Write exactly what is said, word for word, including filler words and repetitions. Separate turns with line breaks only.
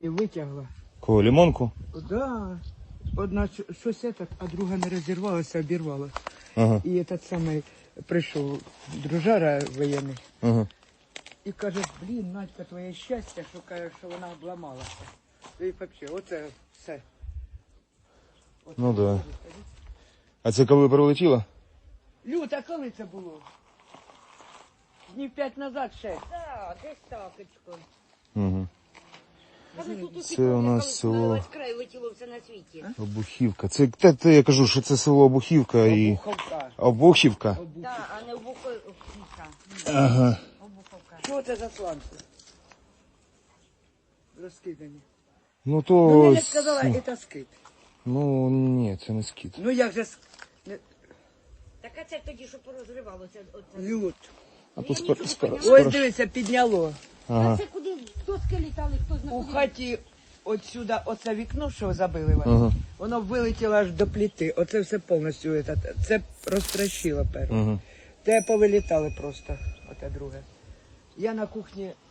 І витягла.
Кого, лимонку?
Да. Одна щ- щось этот, а друга не розірвалася, обірвала.
Ага,
І этот самий прийшов дружара воєнний.
ага.
І каже, блін, Надька, твоє щастя, що каже, що вона обламалася. І взагалі, оце все. Оце
Ну да.
все.
А це коли прилетіло?
Люта, коли це було? Днів п'ять назад ще.
Так, десь такочко.
Угу.
А ми тут усі
Це у нас
коли
село.
весь край летіло все на світі.
Обухівка. Це те, те, я кажу, що це село Обухівка і...
Обуховка.
Обухівка?
Обухівка.
Так, а не обуховка.
Ага.
Обуховка.
Що це за сланці? Розкидані.
Ну
Ну,
то...
Неля сказала, це скид.
Ну, ні, це не скіт.
Ну, як же ск- не-
Так а це тоді, що порозривалося. Оце.
Люд.
А то спер... спер...
Ось
спер...
дивися, підняло.
А
Ага.
це куди доски літали, хто
У
знаходив?
хаті отсюда, оце вікно, що забили вони,
Ага.
воно вилетіло аж до плити. Оце все повністю, это, це розтрощило перше.
Ага.
Те повилітали просто, оте друге. Я на кухні